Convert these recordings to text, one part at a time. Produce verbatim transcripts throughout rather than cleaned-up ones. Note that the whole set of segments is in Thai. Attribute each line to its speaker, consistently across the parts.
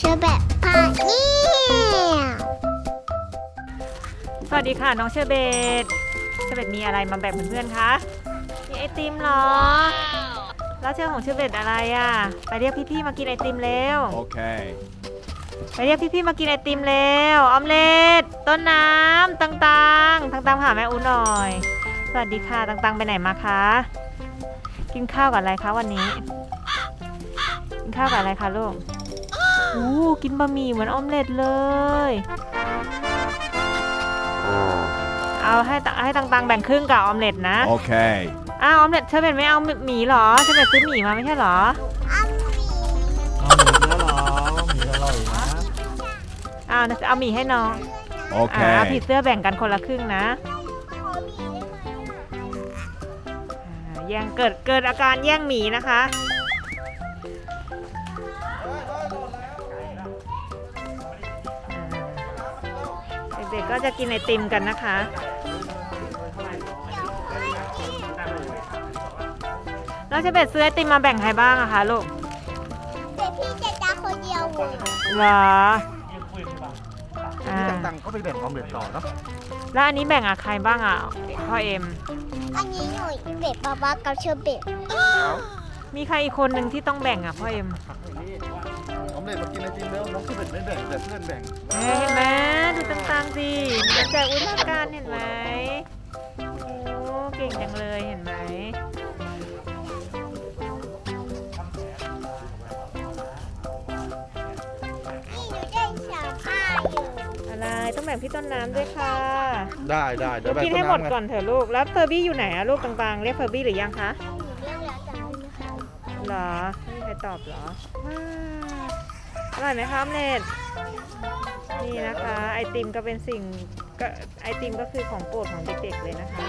Speaker 1: อแบบพาเนี่ย
Speaker 2: สวัสดีค่ะน้องเชอร์เบตเชอร์เบตมีอะไรมาแบ่งเพื่อนๆคะมีไอติมเหรอแล้วเชื่อของเชอร์เบตอะไรอ่ะไปเรียกพี่ๆมากินไอติมเร็วโอเคไปเรียกพี่ๆมากินไอติมเร็วออมเล็ตต้นน้ำตังตังตังตังหาแม่อูหน่อยสวัสดีค่ะตังตังไปไหนมาคะกินข้าวกับอะไรคะวันนี้กินข้าวกับอะไรคะลูกอู้กินบะหมี่เหมือนออมเล็ตเลยเอาให้ให้ตังๆแบ่งครึ่งกับออมเล็ตนะโอเคอ้าวออมเล็ตเชอร์เบตไม่เอาหมี่หรอเชอร์เบตซื้อหมี่มาไม่ใช่หรอ
Speaker 1: เอาหมี
Speaker 3: เอาหมูแล้วเหรอหมีอร่อยนะ
Speaker 2: อ้าวเอาหมี่ให้น้องโอเคเอาผีเสื้อแบ่งกันคนละครึ่งนะแย่งเกิดเกิดอาการแย่งหมี่นะคะเด็กๆก็จะกินไอติมกันนะคะแล้วเชอร์เบตซื้อไอติมมาแบ่งใครบ้างอะคะลูก
Speaker 1: เด็กพี่เจจ้าคนเดียว
Speaker 2: เหรอ
Speaker 3: นี่ต่างๆก็ไปแบ่งออมเล็ตต่อเนาะ
Speaker 2: แล้วอันนี้แบ่งอะใครบ้างอะพ่อเอ็ม
Speaker 1: อันนี้หนูเบ็ดบาบากับเชอร์เบต
Speaker 2: มีใครอีกคนหนึ่งที่ต้องแบ่งอะพ่อเอ็ม
Speaker 3: ออมเล็ตมากินไอติมแล้วน้องเชอร์เบตไม่แบ่งแต่เพื่อนแบ่ง
Speaker 2: เห็นไหมดูต่างๆสิแจกอุทาการเห็นไหมโอ้เก่งจังเลยเห็นไหมอะไรต้องแบ่งพี่ต้นน้ำด้วยค่ะ
Speaker 3: ได้ได้เดี๋ยวแบ่ง
Speaker 2: กินให้หมดก่อนเถอะลูกแล้วเฟอร์บี้อยู่ไหนอะลูกต่างๆเรียกเฟอร์บี้หรือยังคะ
Speaker 1: เรื่องแล้วแต่ไม่มีใคร
Speaker 2: หรอไม่มีใครตอบหรออร่อยไหมคะออมเล็ตนี่นะคะไอติมก็เป็นสิ่งก็ไอติมก็คือของโปรดของเด็กๆเลยนะคะ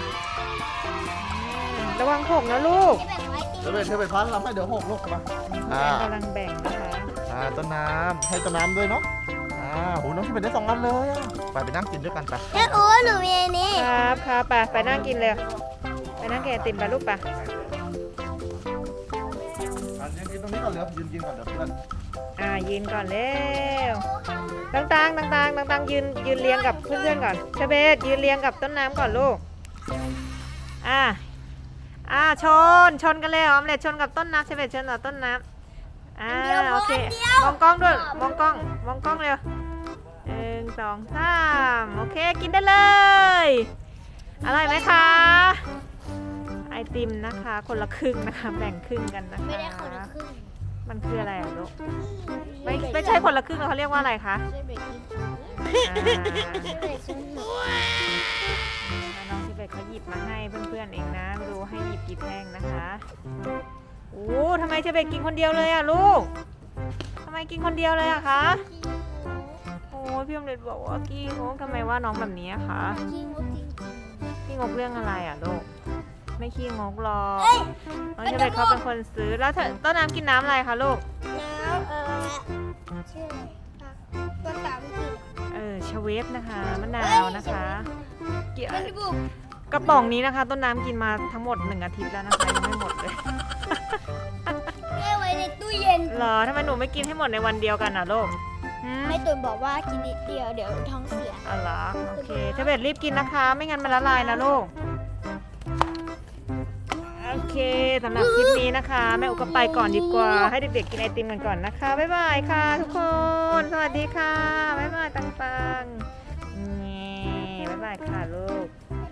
Speaker 2: ระวังหกนะลูก
Speaker 3: เดี๋ยวเชอร์เบตพันเราให้เดี๋ยวหกลูกมา
Speaker 2: อ่ากำลังแบ่งนะคะ
Speaker 3: อ่าต้นน้ำให้ต้นน้ำด้วยเนาะอ่าโหน้องเชอร์เบตได้สองอันเลยไปไปนั่งกินด้วยกันไป
Speaker 1: แม่โอ้หนูมีอันนี้
Speaker 2: ครับครับไปไปนั่งกินเลยไปนั่งกินไอติมไปลูกไป
Speaker 3: ยืนกินตรงนี้ก่อนเลยยืนกินก่อนเดี๋ยวเพื่อน
Speaker 2: อ่ายืนก่อนเร็วต่างๆต่างๆต่างๆยืนยืนเรียงกับเพื่อนๆก่อนเชอร์เบตยืนเรียงกับต้นน้ำก่อนลูกอ่าอ่าชนชนกันเลยออมเล็ตชนกับต้นน้ำเชอร์เบตชนกับต้นน้ำอ่าโอเคมองกล้องด้วยมองกล้องมองกล้องเร็วหนึ่งสองสามโอเคกินได้เลยอร่อยไหมคะไอติมนะคะคนละครึ่งนะคะแบ่งครึ่งกันนะคะ
Speaker 1: ไม่ได้คนละครึ่ง
Speaker 2: มันคืออะไรอ่ะลูกไม่ไม่ใช่คนละครึ่งเขาเรียกว่าอะไรคะน้องชิเบตเขาหยิบมาให้เพื่อนๆเองนะไม่รู้ให้หยิบกี่แท่งนะคะโอ้ทำไมชิเบตกินคนเดียวเลยอ่ะลูกทำไมกินคนเดียวเลยอะคะโอ้พี่อมเล็ตบอกว่ากี้งกทำไมว่าน้องแบบนี้คะกี้งกเรื่องอะไรอ่ะลูกไม่ขี้งกหรอกน้องชิเบตเขาเป็นคนซื้อแล้วเธอต้นน้ำกินน้ำอะไรคะลูก
Speaker 1: น้ำเออชื่อตัวสามกิน
Speaker 2: เออชเวฟนะคะมะนาวนะคะเกี่ยวกระป๋องนี้นะคะต้นน้ำกินมาทั้งหมดหนึ่งอาทิตย์แล้วนะคะยังไม่หมดเลย
Speaker 1: แม่ไว้ในตู้เย็น
Speaker 2: เหรอทำไมหนูไม่กินให้หมดในวันเดียวกันอ่ะลูก
Speaker 1: แม่ตุนบอกว่ากินนิดเดียวเดี๋ยวท้องเสีย
Speaker 2: อ๋อเหรอโอเคชเวฟรีบกินนะคะไม่งั้นมันละลายนะลูกโอเคสำหรับคลิปนี้นะคะแม่อุกก็ไปก่อนดีกว่าให้เด็กๆกินไอติมกันก่อนนะคะบ๊ายบายค่ะทุกคนสวัสดีค่ะบ๊ายบายต่างๆนี่บ๊ายบายค่ะลูก